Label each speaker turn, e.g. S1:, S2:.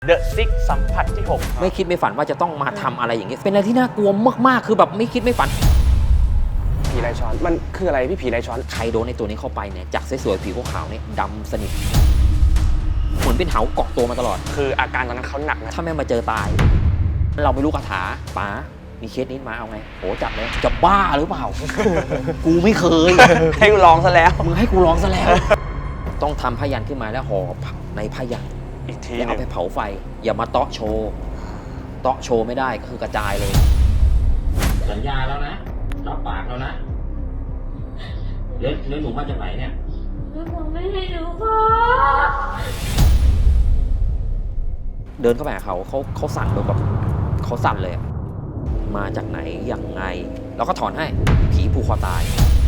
S1: The Six สัมผัสที่
S2: ไม่คิดไม่ฝันว่าจะต้องมาทำอะไรอย่างเงี้ยเป็นอะไรที่น่ากลัวมากๆคือแบบไม่คิดไม่ฝัน
S3: ผีลายช้อนมันคืออะไรพี่ผีลายช้อน
S2: ใครโดนในตัวนี้เข้าไปเนี่ยจากสวยๆผิวขาวๆเนี่ยดำสนิทเหมือนเป็นเหาเกาะตัวมาตลอด
S3: คืออาการตอนนั้นเขาหนักนะ
S2: ถ้าแม่มาเจอตาย เราไม่รู้คาถาป๋ามีเคสนี้มาเอาไงโหจัดเลยจะบ้าหรือเปล่า กูไม่เคย
S3: ให้กูลองซะแล้ว
S2: มึงให้กูร้องซะแล้ว ต้องทำผ้ายันขึ้นมาแล้วห่อในผ้ายัน
S3: อีกที
S2: แล้ว
S3: ห
S2: เอา
S3: นึง
S2: ไปเผาไฟ อย่ามาเตาะโชว์เตาะโชว์ไม่ได้ก็คือกระจายเลย สัญญาแล้วนะรับปากแล้วนะแล้วหนูมาจากไหนเนี่ย
S4: แล้วผมไม่ให้หนูพ่อ
S2: เดินเข้าไปหาเขาสั่นแบบเขาสั่นเลยอะมาจากไหนยังไง แล้วก็ถอนให้ผีผูกคอตาย